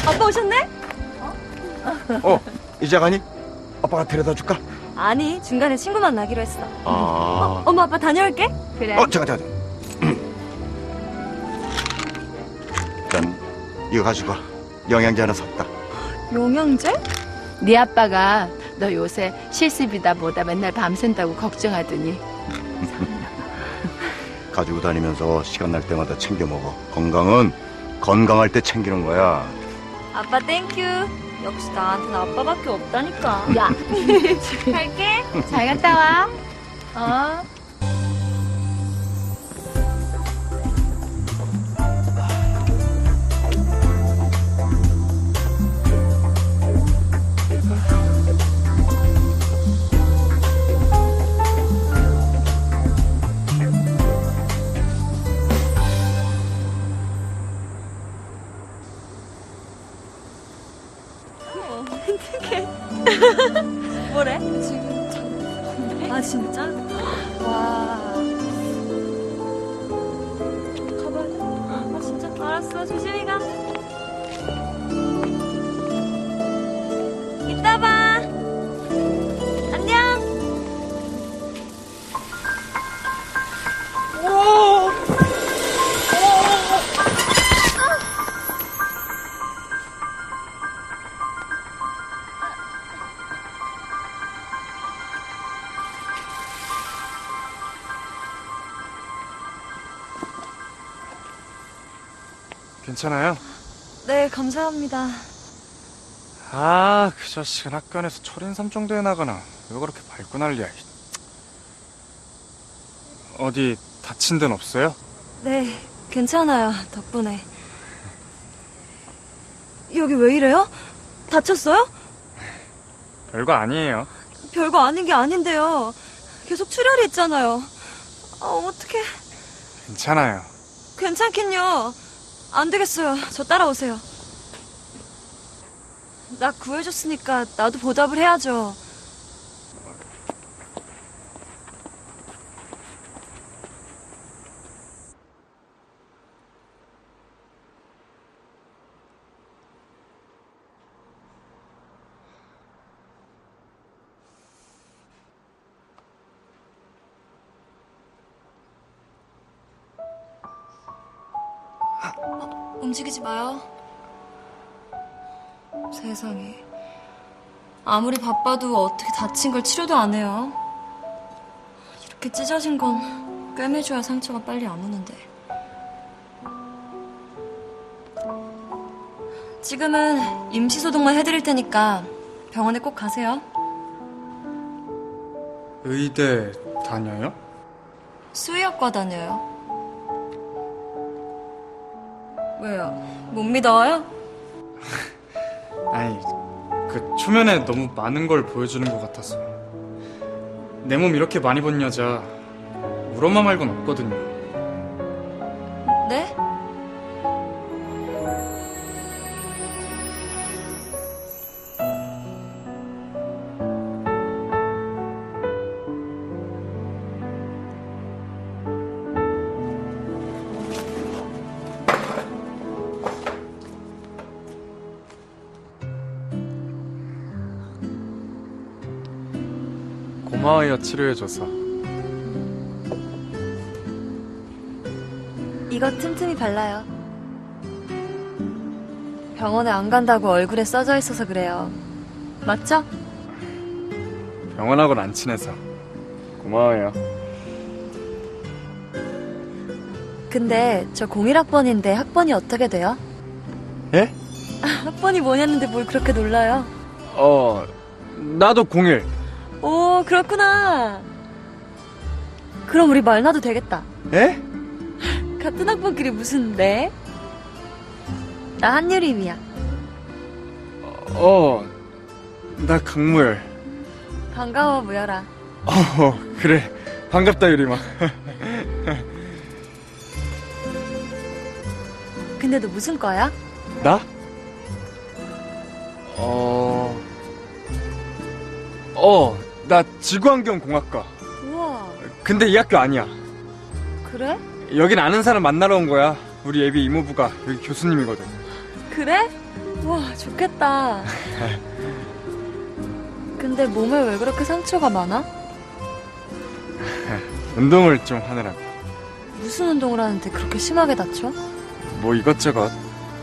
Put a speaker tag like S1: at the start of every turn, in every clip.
S1: 아빠 오셨네?
S2: 이제 가니? 아빠가 데려다 줄까?
S1: 아니, 중간에 친구 만나기로 했어.
S2: 아.
S1: 엄마, 아빠 다녀올게. 그래.
S2: 잠깐. 난 이거 가지고 영양제 하나 샀다.
S1: 영양제?
S3: 네 아빠가 너 요새 실습이다 뭐다 맨날 밤샌다고 걱정하더니.
S2: 가지고 다니면서 시간 날 때마다 챙겨 먹어. 건강은 건강할 때 챙기는 거야.
S1: 아빠 땡큐. 역시 나한테는 아빠밖에 없다니까.
S3: 야,
S1: 갈게.
S3: 잘 갔다 와. 어?
S1: 뭐래? 지금 아 진짜? 와. 가봐. 아 진짜? 알았어. 조심히 가. 이따 봐. 안녕.
S4: 괜찮아요?
S1: 네, 감사합니다.
S4: 아, 그 자식은 학교 안에서 철인삼 정도 해나가나. 왜 그렇게 밟고 난리야. 어디 다친 데는 없어요?
S1: 네, 괜찮아요. 덕분에. 여기 왜 이래요? 다쳤어요?
S4: 별거 아니에요.
S1: 별거 아닌 게 아닌데요. 계속 출혈이 있잖아요. 아, 어떡해.
S4: 괜찮아요.
S1: 괜찮긴요. 안 되겠어요. 저 따라오세요. 나 구해줬으니까 나도 보답을 해야죠. 움직이지 마요. 세상에. 아무리 바빠도 어떻게 다친 걸 치료도 안 해요. 이렇게 찢어진 건 꿰매줘야 상처가 빨리 아무는데. 지금은 임시소독만 해드릴 테니까 병원에 꼭 가세요.
S4: 의대 다녀요?
S1: 수의학과 다녀요. 왜요? 못 믿어요?
S4: 아니, 그 초면에 너무 많은 걸 보여주는 것 같아서. 내 몸 이렇게 많이 본 여자 우리 엄마 말곤 없거든요.
S1: 네?
S4: 고마워요, 치료해줘서.
S1: 이거 틈틈이 발라요. 병원에 안 간다고 얼굴에 써져 있어서 그래요. 맞죠?
S4: 병원하고는 안 친해서. 고마워요.
S1: 근데 저 01학번인데 학번이 어떻게 돼요?
S4: 예?
S1: 학번이 뭐냐는데 뭘 그렇게 놀라요?
S4: 나도 01.
S1: 오, 그렇구나. 그럼 우리 말나도 되겠다.
S4: 예?
S1: 같은 학번끼리 무슨 네? 나 한유림이야.
S4: 나 강무열.
S1: 반가워, 무열아.
S4: 그래. 반갑다, 유림아.
S1: 근데 너 무슨 과야?
S4: 나? 나 지구환경공학과.
S1: 우와,
S4: 근데 이 학교 아니야.
S1: 그래?
S4: 여긴 아는 사람 만나러 온 거야. 우리 예비 이모부가 여기 교수님이거든.
S1: 그래? 우와, 좋겠다. 근데 몸에 왜 그렇게 상처가 많아?
S4: 운동을 좀 하느라고.
S1: 무슨 운동을 하는데 그렇게 심하게 다쳐?
S4: 뭐 이것저것.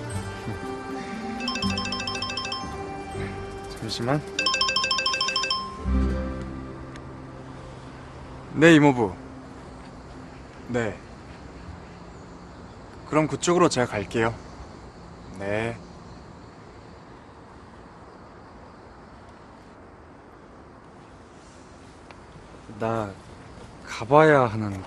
S4: 잠시만. 네, 이모부. 네. 그럼 그쪽으로 제가 갈게요. 네. 나 가봐야 하는데.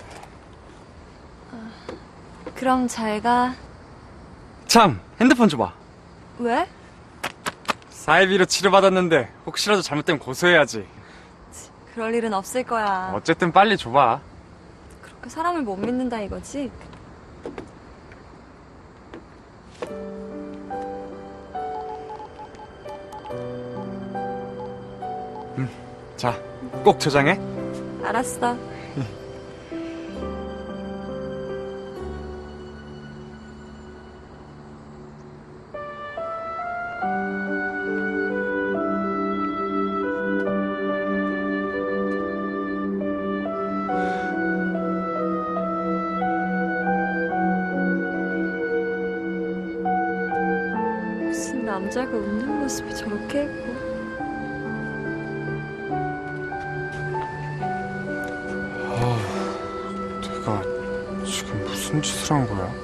S1: 그럼 잘 가.
S4: 참! 핸드폰 줘봐.
S1: 왜?
S4: 사이비로 치료받았는데 혹시라도 잘못되면 고소해야지.
S1: 그럴 일은 없을 거야.
S4: 어쨌든 빨리 줘봐.
S1: 그렇게 사람을 못 믿는다 이거지?
S4: 자, 꼭 저장해.
S1: 알았어. 무슨 남자가 웃는 모습이 저렇게 예뻐.
S4: 내가 지금 무슨 짓을 한 거야?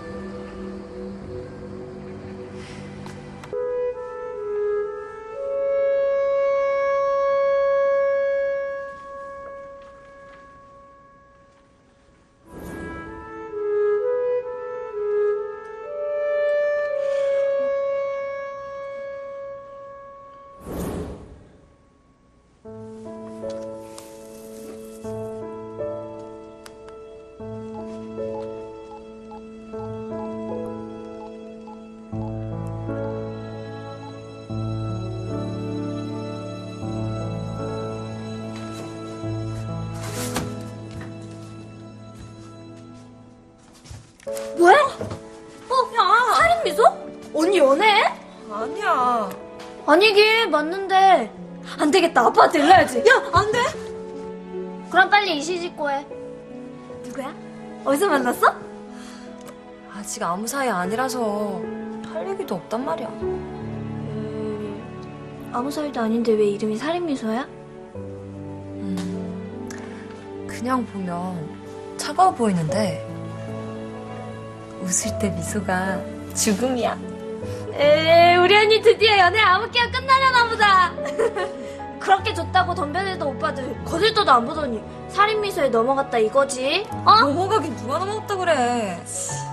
S5: 뭐야? 야, 살인 미소? 언니 연애해?
S1: 아니야.
S5: 아니긴 맞는데 안 되겠다. 아빠한테 일러야지. 야, 안 돼. 그럼 빨리 이시집고 해. 누구야? 어디서 만났어?
S1: 아직 아무 사이 아니라서 할 얘기도 없단 말이야.
S5: 아무 사이도 아닌데 왜 이름이 살인 미소야?
S1: 그냥 보면 차가워 보이는데 웃을 때 미소가 죽음이야.
S5: 우리 언니 드디어 연애 아무개가 끝나려나 보다. 그렇게 좋다고 덤벼들던 오빠들 거들떠도 안 보더니 살인 미소에 넘어갔다 이거지? 어?
S1: 넘어가긴 누가 넘어갔다 그래.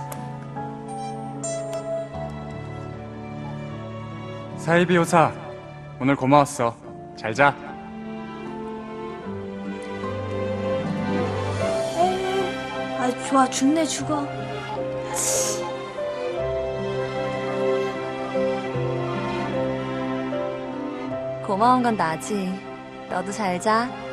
S4: 사이비 호사, 오늘 고마웠어. 잘 자.
S5: 아, 좋아. 죽네 죽어.
S1: 고마운 건 나지. 너도 잘 자.